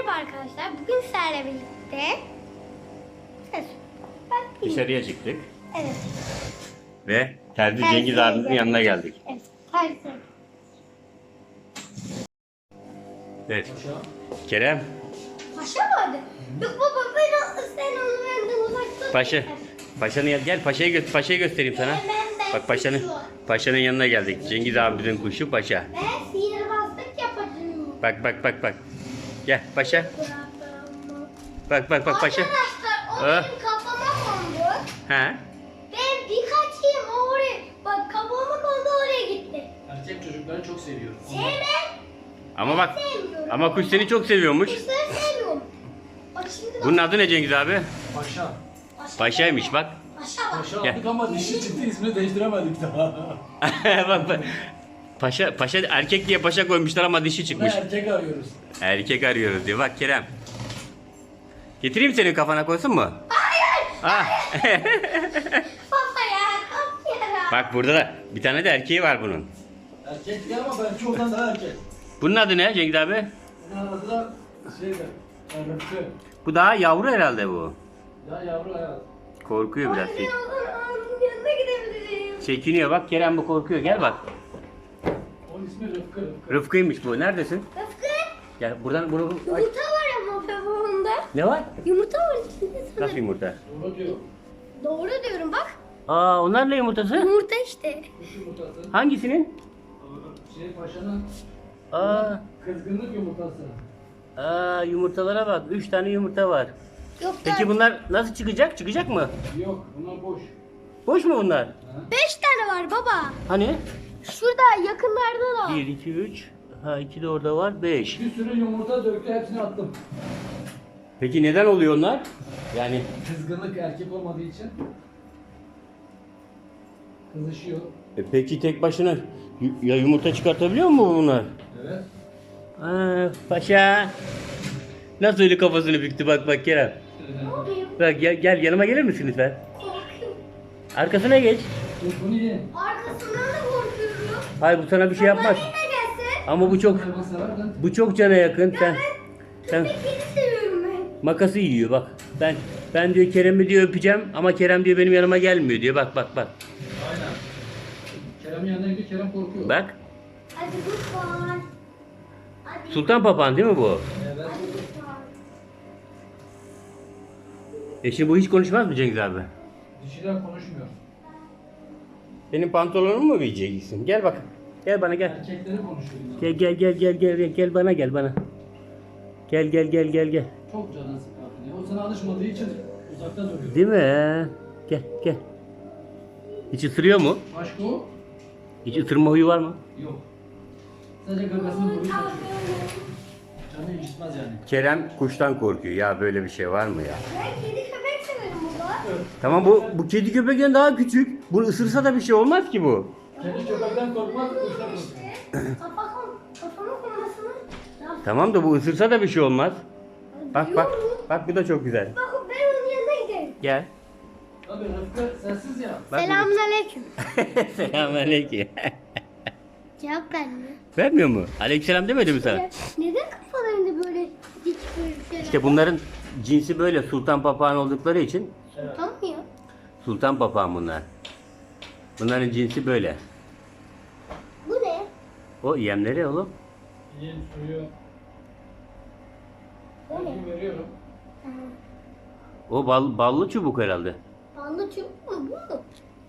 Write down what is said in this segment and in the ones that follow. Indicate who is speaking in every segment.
Speaker 1: Merhaba arkadaşlar. Bugün sizlerle birlikte
Speaker 2: Dışarıya çıktık
Speaker 1: Evet.
Speaker 2: ve Terzi
Speaker 1: Terziye
Speaker 2: Cengiz abimizin
Speaker 1: geldik.
Speaker 2: yanına geldik.
Speaker 1: Evet. Tersi.
Speaker 2: Evet. Kerem,
Speaker 1: Paşa vardı. Yok baba sen onu benden uzakta.
Speaker 2: Paşa'nın gel Paşa'yı göstereyim sana.
Speaker 1: Ben
Speaker 2: Bak Paşa'nın yanına geldik. Cengiz abimizin kuşu Paşa.
Speaker 1: Ben sihirbazlık yapacağım.
Speaker 2: Bak. Gel Paşa. Bak Paşa.
Speaker 1: Arkadaşlar o
Speaker 2: Ah.
Speaker 1: benim kafama kondu.
Speaker 2: Ha?
Speaker 1: Ben birkaç yıl oraya bak kafama kondu oraya gitti.
Speaker 3: Erkek çocukları çok seviyorum.
Speaker 1: Sevmem.
Speaker 2: Ama bak
Speaker 1: Sevmiyorum.
Speaker 2: ama kuş seni çok seviyormuş.
Speaker 1: Kuşları sevmiyorum. Bak şimdi bak.
Speaker 2: Bunun adı ne Cengiz abi?
Speaker 3: Paşa.
Speaker 2: Paşa'ymış bak.
Speaker 1: Paşa bak.
Speaker 3: Paşa
Speaker 2: Gel.
Speaker 3: aldık ama dişi çıktı, ismini değiştiremedik daha.
Speaker 2: bak. Paşa erkek diye paşa koymuşlar ama dişi
Speaker 3: Buna
Speaker 2: çıkmış.
Speaker 3: erkek arıyoruz.
Speaker 2: Erkek arıyoruz diyor. Bak Kerem. Getireyim senin kafana koysun mu? Ah.
Speaker 1: Baba ya kapıyorum.
Speaker 2: Bak burada da bir tane de erkeği var bunun.
Speaker 3: Erkek değil ama ben çoğundan daha erkek.
Speaker 2: Bunun adı ne Cengiz abi?
Speaker 3: Bunun adı da Rıfkı.
Speaker 2: Bu daha yavru herhalde bu.
Speaker 3: Ya yavru hayat.
Speaker 2: Korkuyor biraz.
Speaker 1: Ben onun yanına gidebilirim.
Speaker 2: Çekiniyor bak Kerem bu korkuyor. Gel bak.
Speaker 3: Onun ismi Rıfkı.
Speaker 2: Rıfkı'ymış bu. Neredesin?
Speaker 1: Rıfkı.
Speaker 2: Gel buradan bunu aç.
Speaker 1: Yumurta var ama babamda.
Speaker 2: Ne var?
Speaker 1: Yumurta var içinde sana.
Speaker 2: Nasıl yumurta?
Speaker 3: Doğru diyor.
Speaker 1: Doğru diyorum bak.
Speaker 2: Aa onlar ne yumurtası?
Speaker 1: Yumurta işte.
Speaker 3: Kuş yumurtası.
Speaker 2: Hangisinin?
Speaker 3: Paşanın
Speaker 2: Aa,
Speaker 3: kızgınlık yumurtası.
Speaker 2: Yumurtalara bak. 3 tane yumurta var.
Speaker 1: Yok
Speaker 2: Peki bunlar nasıl çıkacak? Çıkacak mı?
Speaker 3: Yok, bunlar boş.
Speaker 2: Boş mu bunlar?
Speaker 1: 5 tane var baba.
Speaker 2: Hani?
Speaker 1: Şurada yakınlarda da.
Speaker 2: 1, 2, 3. Ha 2 de orada var. 5.
Speaker 3: Bir sürü yumurta döktü, hepsini attım.
Speaker 2: Peki neden oluyor onlar? Yani
Speaker 3: Kızgınlık erkek olmadığı için kızışıyor.
Speaker 2: peki tek başına ya yumurta çıkartabiliyor mu bunlar?
Speaker 3: Evet.
Speaker 2: Paşa. Nasıl öyle kafasını büktü bak Kerem.
Speaker 1: Ne oluyor?
Speaker 2: Bak gel yanıma gelir misin lütfen?
Speaker 1: Korkuyorum.
Speaker 2: Arkasına geç.
Speaker 3: Dur bunu ye.
Speaker 1: Arkasından da korkuyorum.
Speaker 2: Hayır bu sana bir şey yapmaz.
Speaker 1: Baba yine gelsin.
Speaker 2: Ama bu çok
Speaker 3: Hayvan severden.
Speaker 2: cana yakın. Sen
Speaker 1: Köpekleri seviyorum ben.
Speaker 2: makası yiyor bak. Ben diyor Kerem'i diyor öpeceğim ama Kerem diyor benim yanıma gelmiyor diyor. Bak.
Speaker 3: Aynen. Kerem'in yanına gidiyor, Kerem korkuyor.
Speaker 2: Bak.
Speaker 1: Hadi lütfen. Hadi.
Speaker 2: Sultan Papağan değil mi bu?
Speaker 3: Evet.
Speaker 1: Hadi lütfen.
Speaker 2: Şimdi bu hiç konuşmaz mı Cengiz abi?
Speaker 3: Dişiler konuşmuyor.
Speaker 2: Benim pantolonumu mu giyeceksin? Gel bak. Gel bana gel.
Speaker 3: Erkekleri konuşuyor.
Speaker 2: Gel bana gel bana. Gel.
Speaker 3: Çok canı sıkıyor. O sana alışmadığı için uzakta duruyor.
Speaker 2: Değil mi? Gel. Hiç ısırıyor mu?
Speaker 3: Başka o?
Speaker 2: Hiç ısırma huyu var mı?
Speaker 3: Yok. Sadece gagasını vuruyor. Canı gitmez yani.
Speaker 2: Kerem kuştan korkuyor. Ya böyle bir şey var mı ya?
Speaker 1: Ben kedi köpek severim baba.
Speaker 2: Tamam bu kedi köpekten daha küçük. Bunu ısırsa da bir şey olmaz ki bu.
Speaker 3: Kedi köpekten korkmaz, kuştan korkuyor.
Speaker 1: Kafamı koymasını.
Speaker 2: Tamam da bu ısırsa da bir şey olmaz. Bak bu da çok güzel.
Speaker 1: Bak ben onun yanına giderim.
Speaker 2: Gel.
Speaker 3: Tabii Rıfkı sensiz ya.
Speaker 2: Bak
Speaker 1: Selamünaleyküm.
Speaker 2: Selamünaleyküm.
Speaker 1: Cevap vermiyor.
Speaker 2: Vermiyor mu? Aleykümselam demedi mi sana?
Speaker 1: Neden kafalarında böyle dik böyle şeyler?
Speaker 2: İşte bunların cinsi böyle sultan papağan oldukları için
Speaker 1: Tutamıyor.
Speaker 2: sultan papağan bunlar. Bunların cinsi böyle.
Speaker 1: Bu ne?
Speaker 2: O yemleri oğlum.
Speaker 3: Yiyin suyu.
Speaker 1: O ne?
Speaker 3: Ben veriyorum.
Speaker 1: Ha.
Speaker 2: O ballı çubuk herhalde.
Speaker 1: Ballı çubuk mu bu mu?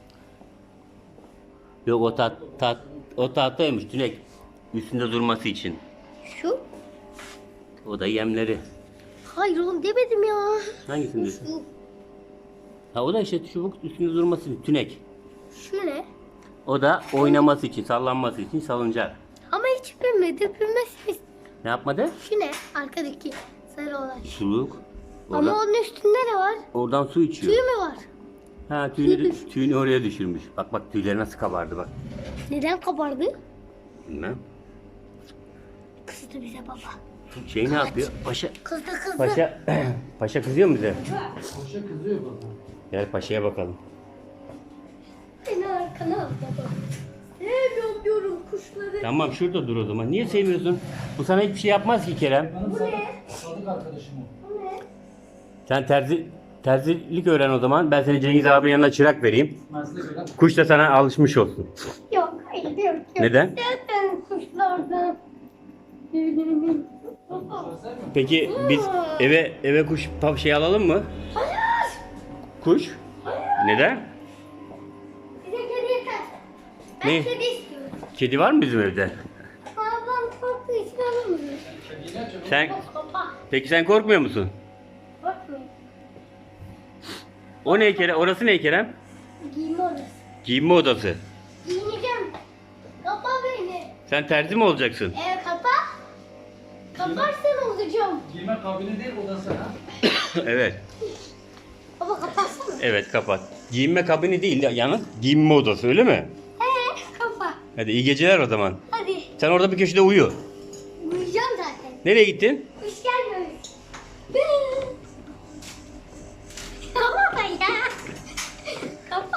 Speaker 2: Yok o tahtaymış tünek. Üstünde durması için.
Speaker 1: Şu?
Speaker 2: O da yemleri.
Speaker 1: Hayır oğlum demedim ya.
Speaker 2: Hangisinde?
Speaker 1: Şu.
Speaker 2: Ha o da işte çubuk üstünde durması için tünek.
Speaker 1: Şu ne?
Speaker 2: O da oynaması için, sallanması için salıncak.
Speaker 1: Ama hiç bilmedi. Bilmezsiniz.
Speaker 2: Ne yapmadı?
Speaker 1: Şu ne? Arkadaki sarı olan.
Speaker 2: Suluk.
Speaker 1: Ama
Speaker 2: Oradan,
Speaker 1: onun üstünde ne var?
Speaker 2: oradan su içiyor.
Speaker 1: Tüy mü var?
Speaker 2: Ha tüyünü oraya düşürmüş. Bak tüyleri nasıl kabardı bak.
Speaker 1: Neden kabardı?
Speaker 2: Bilmem.
Speaker 1: Kızdı bize baba.
Speaker 2: Şey ne yapıyor?
Speaker 1: Kızdı.
Speaker 2: Paşa kızıyor mu bize?
Speaker 3: Koşa kızıyor bana.
Speaker 2: Gel paşaya bakalım.
Speaker 1: Beni arkana al baba. Sevmiyorum diyorum kuş kuşları.
Speaker 2: Tamam şurada dur o zaman. Niye sevmiyorsun? Bu sana hiçbir şey yapmaz ki Kerem.
Speaker 3: Benim
Speaker 1: Bu ne?
Speaker 3: sadık arkadaşım o.
Speaker 1: Bu ne?
Speaker 2: Sen terzilik öğren o zaman. Ben seni Cengiz abinin yanına çırak vereyim.
Speaker 3: Meslek öyle.
Speaker 2: Kuş da sana alışmış olsun.
Speaker 1: Yok, hayır, yok, yok.
Speaker 2: Neden?
Speaker 1: Zaten kuşlardan.
Speaker 2: Peki biz eve kuş şey alalım mı?
Speaker 1: Hayır.
Speaker 2: Kuş? Neden?
Speaker 1: Bize kedi yeter. Ben
Speaker 2: Ne?
Speaker 1: kedi istiyorum.
Speaker 2: Kedi var mı bizim evde?
Speaker 1: Ablam korktuğu için alamıyorum.
Speaker 2: Sen
Speaker 1: Baba,
Speaker 2: peki sen korkmuyor musun?
Speaker 1: bakmayın.
Speaker 2: O ne Kerem? Orası ne Kerem?
Speaker 1: Giyinme odası.
Speaker 2: Giyinme odası.
Speaker 1: Giyineceğim. Kapa beni.
Speaker 2: Sen terzi mi olacaksın?
Speaker 1: Kapa. Kaparsan olacağım.
Speaker 3: Giyme kabini değil odası ha.
Speaker 2: Evet.
Speaker 1: Baba kapatsana.
Speaker 2: Evet kapat. Giyinme kabini değil yalnız giyinme odası öyle mi?
Speaker 1: Kapa.
Speaker 2: Hadi iyi geceler o zaman.
Speaker 1: Hadi.
Speaker 2: Sen orada bir köşede uyu.
Speaker 1: Uyuyacağım zaten.
Speaker 2: Nereye gittin?
Speaker 1: Kuş gelmiyor. Kapa ya. Kapa.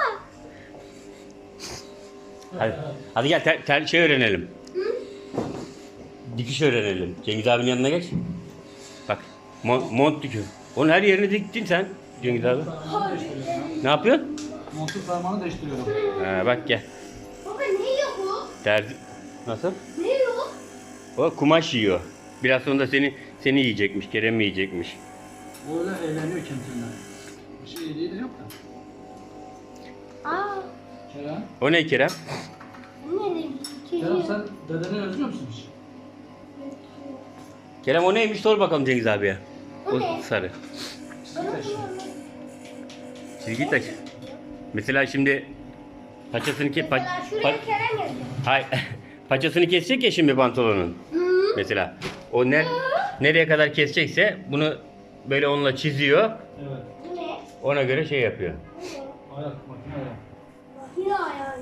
Speaker 2: Hadi gel şey öğrenelim. Dikiş öğrenelim. Cengiz abinin yanına geç. Bak mont dikiyor. Onun her yerini diktin sen Cengiz abi. Ne yapıyorsun?
Speaker 3: Montun parmağını değiştiriyorum.
Speaker 2: Ha, bak gel.
Speaker 1: Baba ne yiyor bu?
Speaker 2: Terzi. Nasıl?
Speaker 1: Ne yiyor?
Speaker 2: O kumaş yiyor. Biraz sonra da seni yiyecekmiş. Kerem yiyecekmiş.
Speaker 3: O öyle eğleniyor kendine. Bir şey yediği de yok da.
Speaker 1: Aa.
Speaker 3: Kerem.
Speaker 2: O ne Kerem?
Speaker 1: Ne
Speaker 3: Kerem sen dedeni özlüyor musun hiç?
Speaker 2: Kerem o neymiş sor bakalım Cengiz abiye.
Speaker 1: O ne?
Speaker 2: Sarı.
Speaker 1: Bana bunu
Speaker 2: Çizgi taş. Mesela şimdi paçasını
Speaker 1: Mesela şuraya Kerem yazıyor.
Speaker 2: Hay paçasını kesecek ya şimdi pantolonun.
Speaker 1: Hı.
Speaker 2: Mesela o nereye kadar kesecekse bunu böyle onunla çiziyor.
Speaker 3: Evet.
Speaker 1: Bu ne?
Speaker 2: Ona göre şey yapıyor.
Speaker 3: Ayak, makine ayak.
Speaker 1: Yine ayağım.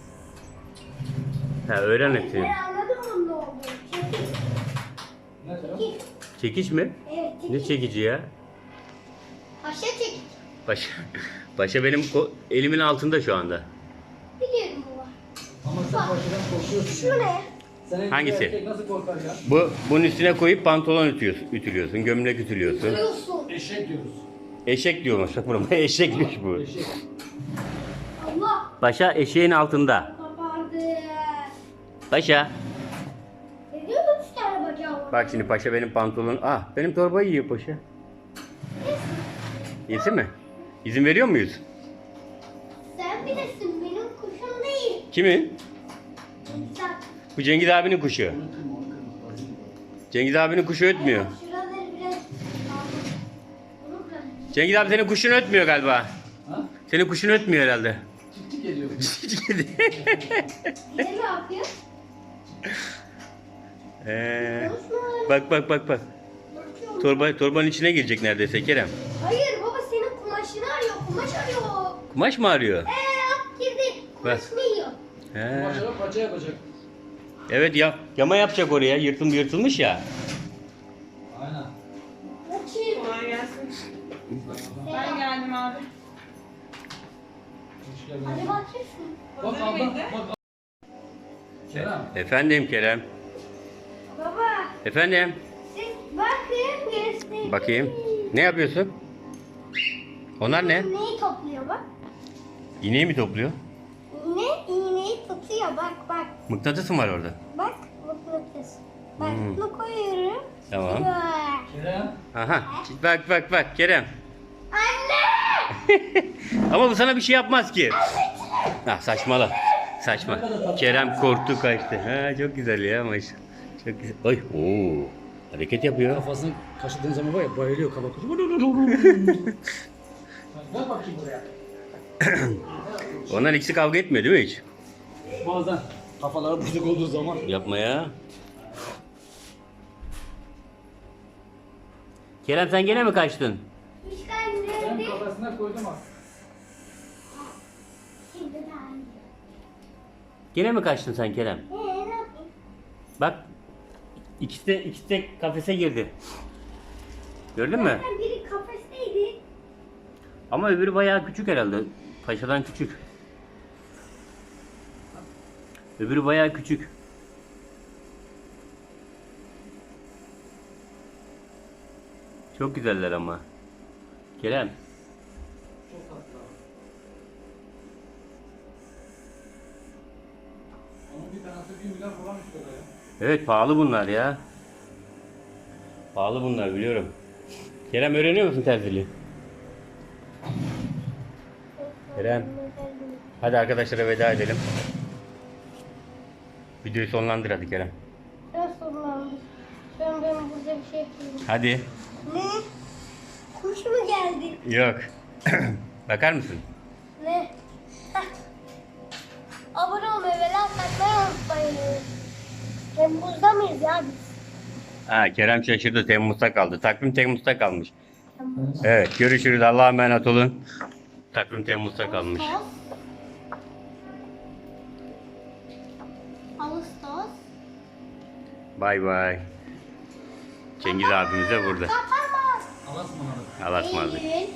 Speaker 2: Ha öğren hepsini.
Speaker 1: Ben anladım bunun ne olduğunu. Çekil.
Speaker 3: Ne Kerem?
Speaker 1: Çekil.
Speaker 2: Çekiş mi?
Speaker 1: Evet çekil.
Speaker 2: Ne çekici ya?
Speaker 1: Aşağı çekil.
Speaker 2: Paşa benim elimin altında şu anda.
Speaker 1: Biliyorum baba.
Speaker 3: Ama sen başından korkuyorsun.
Speaker 1: Şu
Speaker 3: yani.
Speaker 1: ne?
Speaker 3: Senin
Speaker 2: Hangisi?
Speaker 3: gibi erkek nasıl korkar ya?
Speaker 2: Bunun üstüne koyup pantolon ütülüyorsun, gömlek ütülüyorsun.
Speaker 1: Biliyorsun.
Speaker 3: Eşek diyoruz.
Speaker 2: Eşek diyormuş bak buna. Eşekmiş bu.
Speaker 3: Eşek.
Speaker 1: Allah.
Speaker 2: Paşa eşeğin altında.
Speaker 1: Kapardı.
Speaker 2: Paşa.
Speaker 1: Ne diyor 3 tane bacağı var?
Speaker 2: Bak şimdi paşa benim pantolon. Ah benim torbayı yiyor paşa. Yesin mi? İzin veriyor muyuz?
Speaker 1: Sen bilirsin benim kuşum değil.
Speaker 2: Kimin?
Speaker 1: Sen.
Speaker 2: Bu Cengiz abinin kuşu. Cengiz abinin kuşu ötmüyor.
Speaker 1: Şuraları biraz aldım. Bunu bırak.
Speaker 2: Cengiz abi senin kuşun ötmüyor galiba.
Speaker 3: Ha?
Speaker 2: Senin kuşun ötmüyor herhalde.
Speaker 3: Tik tik ediyor.
Speaker 1: Bir de ne yapıyor?
Speaker 2: Bak.
Speaker 1: Bakıyorum.
Speaker 2: Torbanın içine girecek neredeyse Kerem.
Speaker 1: Hayır baba senin kumaşını arıyor. Kumaş arıyor.
Speaker 2: Kumaş mı arıyor?
Speaker 1: At girdi. Kumaş
Speaker 2: Bak.
Speaker 1: ne yiyor?
Speaker 2: He.
Speaker 3: Başarıp paça yapacak.
Speaker 2: Evet ya yama yapacak oraya. Yırtılmış ya.
Speaker 3: Aynen.
Speaker 1: Açayım.
Speaker 4: Kolay gelsin. Ben
Speaker 1: Selam.
Speaker 4: geldim abi.
Speaker 3: Hoş geldin.
Speaker 1: Hadi bakıyorsun.
Speaker 3: Bak
Speaker 4: Hazır
Speaker 3: abla,
Speaker 4: mıydı?
Speaker 3: bak. Kerem.
Speaker 2: Efendim Kerem.
Speaker 1: Baba.
Speaker 2: Efendim.
Speaker 1: Siz bakın göstereyim.
Speaker 2: Bakayım. Ne yapıyorsun? Onlar ne?
Speaker 1: İğneyi topluyor bak.
Speaker 2: İğneyi mi topluyor?
Speaker 1: İğneyi tutuyor bak bak.
Speaker 2: Mıknatıs mı var orada?
Speaker 1: Bak mıknatıs. Bak
Speaker 2: Hmm.
Speaker 1: bunu koyuyorum.
Speaker 2: Tamam.
Speaker 1: Bak.
Speaker 3: Kerem.
Speaker 2: Aha. Bak Kerem.
Speaker 1: Anne!
Speaker 2: Ama bu sana bir şey yapmaz ki. Ah saçmala. Saçma. Kerem korktu kaçtı. Ha çok güzel ya maşallah. Çok güzel. Oy. Oo. Hareket yapıyor.
Speaker 3: Kafasını kaşıdığın zaman var ya bayılıyor kafa kutu. Gel bakayım buraya.
Speaker 2: Onlar ikisi kavga etmiyor değil mi hiç?
Speaker 3: Bazen kafaları bozuk olduğu zaman.
Speaker 2: Yapma ya. Kerem sen gene mi kaçtın?
Speaker 1: Hiç
Speaker 3: Ben
Speaker 1: gelmedi.
Speaker 3: kafasına koydum bak.
Speaker 1: Şimdi daha iyi.
Speaker 2: Gene mi kaçtın sen Kerem?
Speaker 1: Ne yapayım?
Speaker 2: Bak ikisi de kafese girdi. Gördün mü?
Speaker 1: Zaten biri kafesteydi.
Speaker 2: Ama öbürü bayağı küçük herhalde. Paşadan küçük. Öbürü bayağı küçük. Çok güzeller ama. Kerem.
Speaker 3: Çok tatlı. Onun bir tanesi 1 milyar falan istiyor ya.
Speaker 2: Evet pahalı bunlar ya. Pahalı bunlar biliyorum. Kerem öğreniyor musun terziliği? Kerem. Hadi arkadaşlara veda edelim. Videoyu sonlandır hadi Kerem.
Speaker 1: Nasıl oldu? Ben burada bir şey yapıyorum.
Speaker 2: Hadi.
Speaker 1: Ne? Kuş mu geldi?
Speaker 2: Yok. Bakar mısın?
Speaker 1: Ne? Heh. Abone olmayı ve like atmayı unutmayın. Temmuz'da mıyız ya biz?
Speaker 2: Ha, Kerem şaşırdı. Temmuz'da kaldı. Takvim Temmuz'da kalmış. Evet görüşürüz. Allah'a emanet olun. Takvim Temmuz'da kalmış.
Speaker 1: Ağustos.
Speaker 2: Bay bay. Cengiz abimiz de burada.
Speaker 1: Kapanmaz.
Speaker 3: Allah'a ısmarladık.
Speaker 2: Allah'a ısmarladık.
Speaker 1: Eylül.